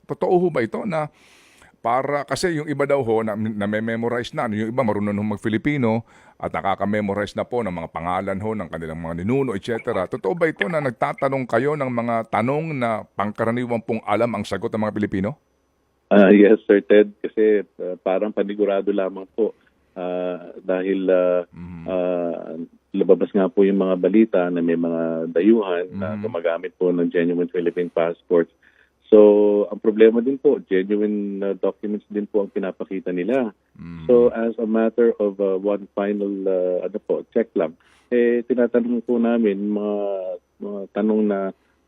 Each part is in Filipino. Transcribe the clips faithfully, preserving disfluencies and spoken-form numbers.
totoo ho ba ito na para kasi yung iba daw ho na, na memorize na, ano, yung iba marunong ho mag-Filipino at nakaka-memorize na po ng mga pangalan ho ng kanilang mga ninuno, et cetera. Totoo ba ito na nagtatanong kayo ng mga tanong na pangkaraniwan pong alam ang sagot ng mga Pilipino? Ah, yes, Sir Ted, kasi uh, parang panigurado lamang po Ah, dahil uh, uh, lumabas nga po yung mga balita na may mga dayuhan na gumagamit po ng genuine Philippine passports. So, ang problema din po, genuine uh, documents din po ang pinapakita nila. So, as a matter of uh, one final uh, ano po, check lang, eh, tinatanong po namin mga, mga tanong na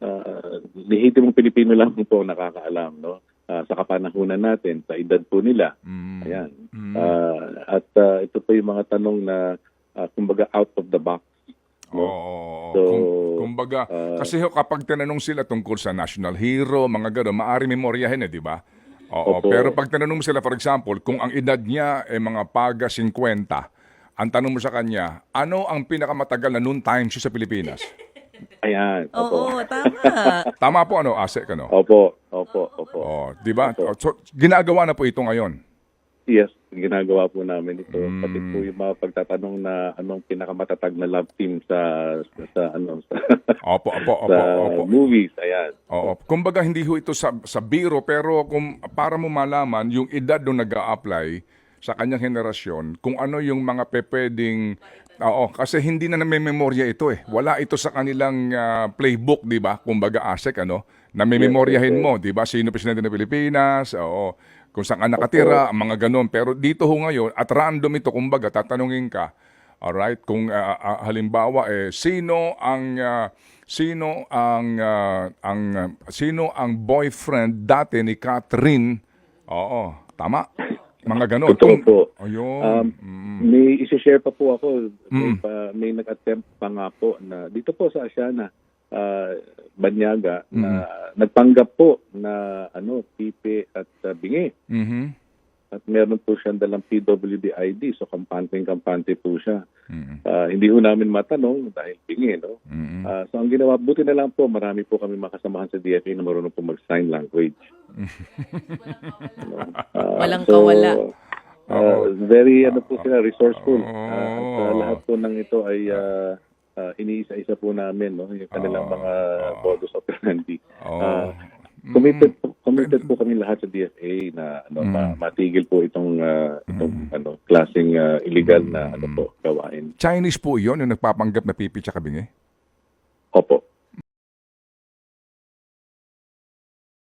uh, lehitimong Pilipino lang po ang nakakaalam, no? Uh, sa kapanahunan natin, sa edad po nila. Mm. Ayan. Mm. Uh, at uh, ito po yung mga tanong na uh, kumbaga out of the box. No? Oo. So, Kung, kumbaga, uh, kasi ho, kapag tinanong sila tungkol sa national hero, mga gano'n, maaari memoryahin eh, di ba? Oo, Opo. pero pag tinanong mo sila, for example, kung ang edad niya ay mga paga fifty, ang tanong mo sa kanya, ano ang pinakamatagal na noon time siya sa Pilipinas? Ayan. Opo. Oo, tama. Tama po, ano, Asek, ano? Opo. Opo. Opo. Oh, di ba? Opo. So, ginagawa na po ito ngayon. Yes, ginagawa po namin ito. Mm. Pati po yung mga pagtatanong na anong pinakamatatag na love team sa sa, sa ano sa, Opo, opo, opo, sa opo. movies. Ayan. Oo. Kumbaga hindi ho ito sa, sa biro pero kung para mo malaman yung edad nung nag-a-apply sa kanyang henerasyon, kung ano yung mga pepeding oo, kasi hindi na namememorya ito eh. Wala ito sa kanilang ah, playbook, 'di ba? Kumbaga Asek ano, namememoryahin Yes, yes, mo, 'di ba? Sino presidente ng Pilipinas? Oo. Kung saan ka nakatira, ang mga ganun. Pero dito ho ngayon, at random ito, kumbaga, tatanungin ka, alright, kung ah, ah, halimbawa, eh, sino ang, ah, sino ang, ah, ang, ah, sino ang boyfriend dati ni Catherine? Oo, tama? Mga ganun. Totoo Kung- po. Ayun. Um, Mm. May isi-share pa po ako. May, Mm. pa, may nag-attempt pa nga po na dito po sa Asiana, uh, Banyaga, na nagpanggap po na ano, pipi at uh, bingi. Mhm. At meron po siyang dalang P W D I D, so kampante-kampante po siya. Mhm. Ah, hindi ho namin matanong dahil bingi, no? Mhm. Ah, so ang ginawa, buti na lang po, marami po kami makasamahan sa D F A na marunong po mag-sign language. Ano? Ah, Walang kawala. ah, very ano po sila, resourceful. Oo. Ah, at ah, lahat po ng ito ay ah, ah, iniisa-isa po namin, no? Yung kanilang Oo. mga modus operandi. Oo. Ah, committed po, committed po kami lahat sa D F A na ano, ma- matigil po itong ah, itong ano klaseng ah, illegal na ano po gawain. Chinese po yun, yung nagpapanggap na pipi tsaka bingi? Opo.